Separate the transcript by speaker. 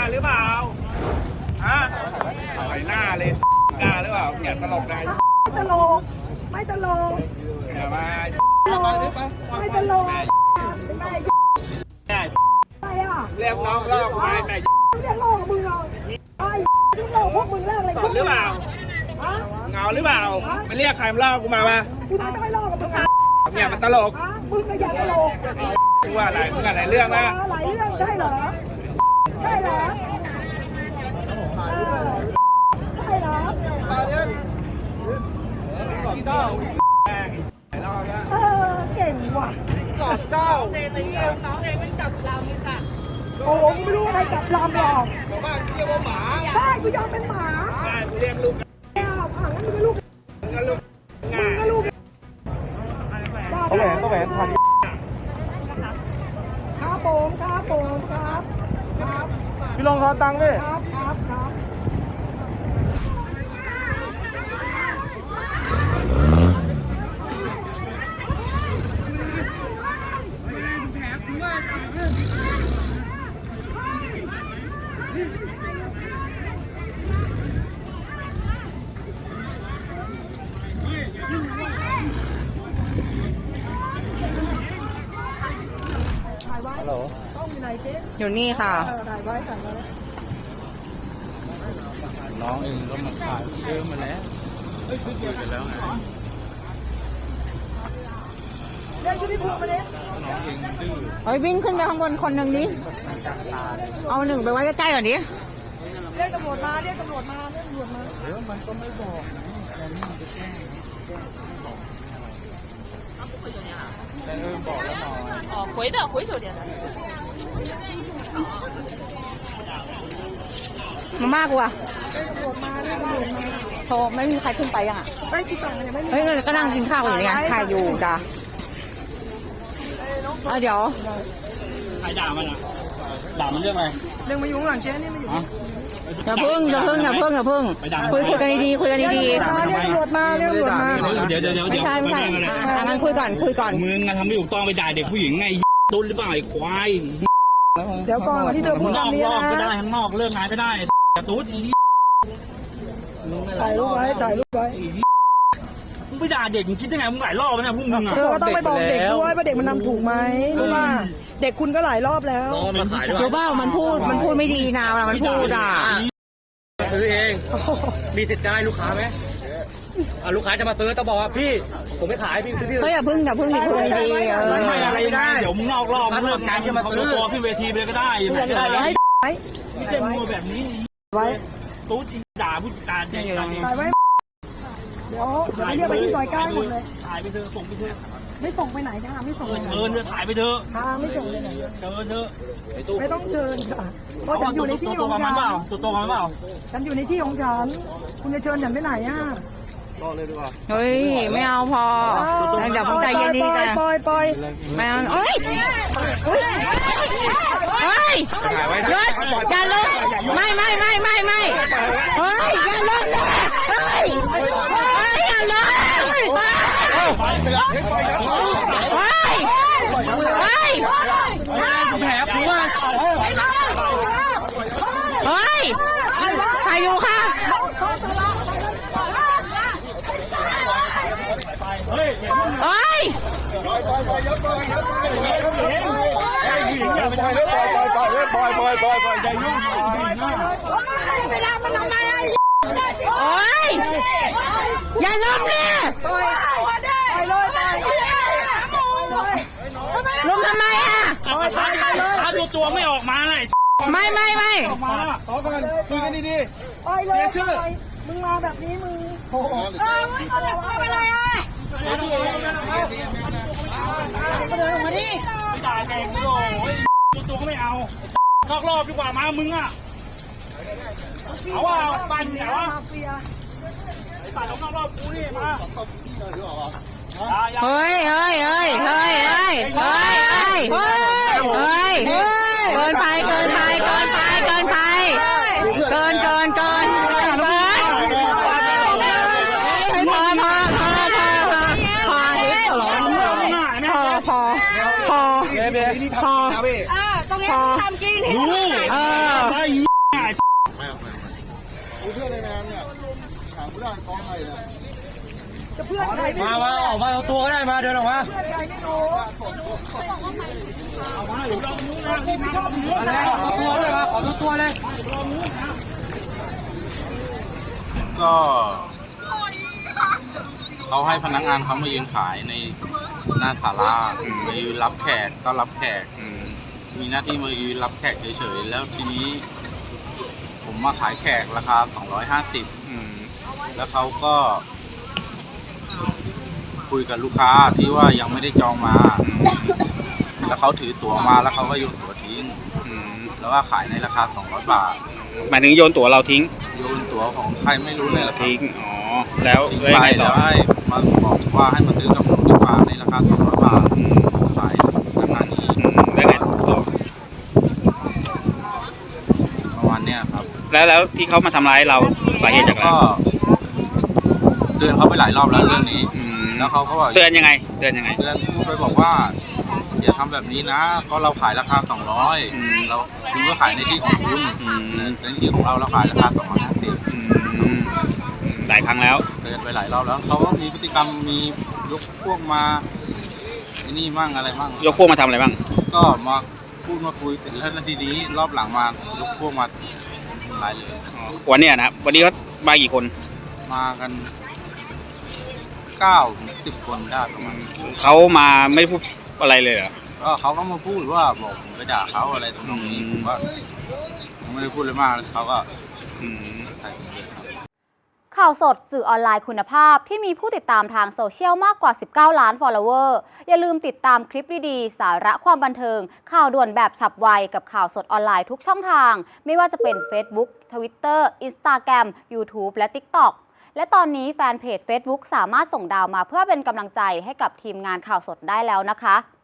Speaker 1: หรือเปล่าฮะใส่หน้าเลยกล้าหรือเปล่าเนี่ยตลกได้
Speaker 2: ไม่ตลกไม่ตลก
Speaker 1: อย่ามา
Speaker 2: ไม่ตลกไม่อ่ะ
Speaker 1: เรียกน้องลอกมาแต่
Speaker 2: เรียกโลกมึงเอาไอ้โลกพวกมึงเรียกอะไร
Speaker 1: สดหรือเปล่าเงาหรือเปล่าไปเรียกใครมาลอกกูมา
Speaker 2: กูไม่ต้องให้โลกกับมึง
Speaker 1: เนี่ยมันตลก
Speaker 2: มึงก็อย่าตลก
Speaker 1: มึงว่าอะไรมึงอะไรเรื่องนะ
Speaker 2: หลายเรื่องใช่เหรอใช่เหรอใช่เหรอเก่งว่ะ
Speaker 1: เจ้า
Speaker 2: น้องเองไม่จับลำค่ะโอ้โหไม่รู้อะไรจับลำหรอก
Speaker 1: บ้านเรียกว่าหมา
Speaker 2: ใช่กูยอมเป็นหมา
Speaker 1: ใช่กูเรียกลูก
Speaker 2: งั้นมึงก็ลูก
Speaker 1: มึงก็ลูก
Speaker 2: เขาแหวนทันครับผมครับ
Speaker 1: พี่ลงขอตังค์ดิ
Speaker 2: ครับ
Speaker 3: ฮัลโหล
Speaker 2: อยู่
Speaker 3: นี่ค่ะ
Speaker 1: น้องเองก็มาขายเยอะมาแล้วคุยกันแล้วไง
Speaker 2: เรียกชุดที่ถูกมาดิ
Speaker 3: เฮ้ยวิ่งขึ้นไปข้างบนคนหนึ่งดิเอาหนึ่งไปไว้ใกล้ๆก่อนดิ
Speaker 2: เรียกตำรวจมา
Speaker 1: มันก็ไม่บอกบอกแล้วหน่อย
Speaker 4: 哦，回手点的。
Speaker 3: มามากกว่า
Speaker 2: เรียกตำรวจมา
Speaker 3: โทรไม่มีใครขึ้นไปยังอ่ะ
Speaker 2: ไม่กี่สั่งเลยไม่มี
Speaker 3: เฮ้ยก็นั่งกินข้าวอยู่เนี่ยถ่ายอยู่จ้ะเดี๋ยว
Speaker 1: ใครด่ามันอ่ะด่ามันเรื่องอะไร
Speaker 2: เรื่องมาอยู่ข้างหลังเจ๊นี่มาอยู่
Speaker 3: อย่าพึ่งคุยกันดีๆเรียกต
Speaker 2: ำรวจมาเดี๋ยว
Speaker 3: ไม่ใช่งั้นคุยก่อน
Speaker 1: มึงทำไม่ถูกต้องไปด่าเด็กผู้หญิงไงตุ้นหรือเปล่าไอ้ควาย
Speaker 2: เดี๋ยวก่อนที่เธอพูดคำนี้นะ
Speaker 1: ก็ได้ข้างนอกเลิกงานก็ได้ตุ้น
Speaker 2: ถ่ายรูปไว้
Speaker 1: มึงไปด่าเด็กมึงคิดยังไงมึงหลายรอบแล้วนะพวกมึงอ่ะ
Speaker 2: เธอก็ต้องไปบอกเด็กด้วยว่าเด็กมันนำถูกไหมรู้ป่ะเด็กคุณก็หลายรอบแล้ว
Speaker 3: เดี๋ยวบ้ามันพูดไม่ดีนะเวลามันพูดอ่ะ
Speaker 1: ซื้อเองมีสิทธิ์ได้ลูกค้าไหมลูกค้าจะมาซื้อต้องบอกว่าพี่ผมไม่ขายพี่ซื้อที่
Speaker 3: อย่าพึ่งคุยดี
Speaker 1: ไม่อะไรได้เดี๋ยวมึงนอกรอบมึงเลิกงานจะมาซื้อตัวขึ้นเวทีไปก็ได้ไม่ใช่มัวแบบนี้
Speaker 2: ไว้
Speaker 1: ตู้ด่าผู้จัดการเนี่ย
Speaker 2: ถ่ายไว้เดี๋ยวเรียกไปที่ซอย9หมดเลย
Speaker 1: ถ่ายไปเถอะส่งไปเถอะ
Speaker 2: ไม่ส่งไปไหนค่ะไม่ส่ง
Speaker 1: เชิญเถอะถ่ายไปเถอะ
Speaker 2: ไม่ส่งไปไหน
Speaker 1: เชิญเถอะ
Speaker 2: ไม่ต้องเชิญค่ะเพราะฉันอยู่ในที่ของฉัน
Speaker 1: ตัวมันเปล่า
Speaker 2: ฉันอยู่ในที่ของฉันคุณจะเชิญฉันไปไหนอ่ะ
Speaker 1: ต่อเลยดีกว่า
Speaker 3: เฮ้ยไม่เอาพอเดี๋ยวผมใจเย็นดีกัน
Speaker 2: ปล่อย
Speaker 3: ไม่เอาเอ้ยหยุดอย่าลงไม่เฮ้ยอย่าลงเลยอย่าลง
Speaker 1: แผลกูว่า
Speaker 3: ใครอยู่ค่ะ
Speaker 2: เวลามันทำไม
Speaker 3: อย่าล้มเลยล้มทำไมอ่ะ
Speaker 1: ถ้าตัวไม่ออกมาเลย
Speaker 3: ไม่
Speaker 1: ขอก่อนคุยกันดี
Speaker 2: ๆไปเลยชื่อมึงมาแบบนี้มึงไม่เป็นไรอ่ะก็เดินมาดิ
Speaker 1: ด่าแดงโอ้ยตัวก็ไม่เอานอกรอบดีกว่ามามึงอ่ะเอาว่าปั่นเหรอไอ้ปั่นนอกรอบกูนี่มา
Speaker 3: เฮ้ยเกินไปพอ
Speaker 2: ตรงนี้ทำกินจะเพื่อนใครไม่รู้
Speaker 5: มาออกมาเอาตัวก็ได้มาเดินออกมา
Speaker 2: เพื่อนใครไม่รู้
Speaker 1: เอามาหรือลองนู้นนะรีบมาลองนู้น
Speaker 5: อะไร
Speaker 1: นะ
Speaker 5: เอาตัวเลยมาขอตัวเลย
Speaker 6: ก็เขาให้พนักงานเขามายืนขายในหน้าศาลามายืนรับแขกก็รับแขกมีหน้าที่มายืนรับแขกเฉยๆแล้วทีนี้ ผมมาขายแขกราคา250แล้วเขาก็คุยกับลูกค้าที่ว่ายังไม่ได้จองมา แล้วเขาถือตั๋วมาแล้วเขาก็โยนตั๋วทิ้งแล้วก็ขายในราคา200 บาท
Speaker 7: หมายถึงโยนตั๋วเราทิ้ง
Speaker 6: โยนตั๋วของใครไม่รู้เลยละครับ
Speaker 7: ทิ้ง อ๋อ แล้ว
Speaker 6: ทิ้ง
Speaker 7: ยัง
Speaker 6: ไป
Speaker 7: ไงต่อ
Speaker 6: แล้วให้มาบอกว่าให้มาซื้อกับผมดีกว่าในราคา200 บาทขายราคานี้
Speaker 7: แล้วไงต่อ
Speaker 6: ประมาณเนี้ยครับ
Speaker 7: แล้วที่เขามาทำร้ายเราสาเหตุจากอะไร
Speaker 6: ก็เตือนเขาไปหลายรอบแล้วเรื่องนี้ แล้วเขาก็บอก
Speaker 7: เตือนยังไง เตือนยังไง
Speaker 6: เตือนพูดไปบอกว่าอย่าทำแบบนี้นะเพราะเราขายราคา200เราคุณก็ขายในที่ของคุณในที่ของเราขายราคา250
Speaker 7: หลายครั้งแล้ว
Speaker 6: เตือนไปหลายรอบแล้วเขาก็มีพฤติกรรมมียกพวกมาไอ้นี่มั่งอะไรมั่ง
Speaker 7: ยกพวกมาทำอะไรบ้าง
Speaker 6: ก็มาพูดมาคุยเสร็จแล้วทีนี้รอบหลังมายกพวกมาทำร้ายเลย
Speaker 7: วันเนี้ยนะครับ วันนี้เขามากี่คน
Speaker 6: มากัน9-10 คนได้ประมาณ
Speaker 7: เขามาไม่พูดอะไรเลยเหรอ
Speaker 6: ก็เขาก็มาพูดว่าบอกผมไปด่าเขาอะไรตรงนี้ผมว่าผมไม่ได้พูดเลยมากเขาก็ใส่ผมเลยครับ
Speaker 8: ข่าวสดสื่อออนไลน์คุณภาพที่มีผู้ติดตามทางโซเชียลมากกว่า19 ล้าน follower อย่าลืมติดตามคลิปดีๆสาระความบันเทิงข่าวด่วนแบบฉับไวกับข่าวสดออนไลน์ทุกช่องทางไม่ว่าจะเป็น Facebook Twitter Instagram YouTube และ TikTok และตอนนี้แฟนเพจ Facebook สามารถส่งดาวมาเพื่อเป็นกำลังใจให้กับทีมงานข่าวสดได้แล้วนะคะ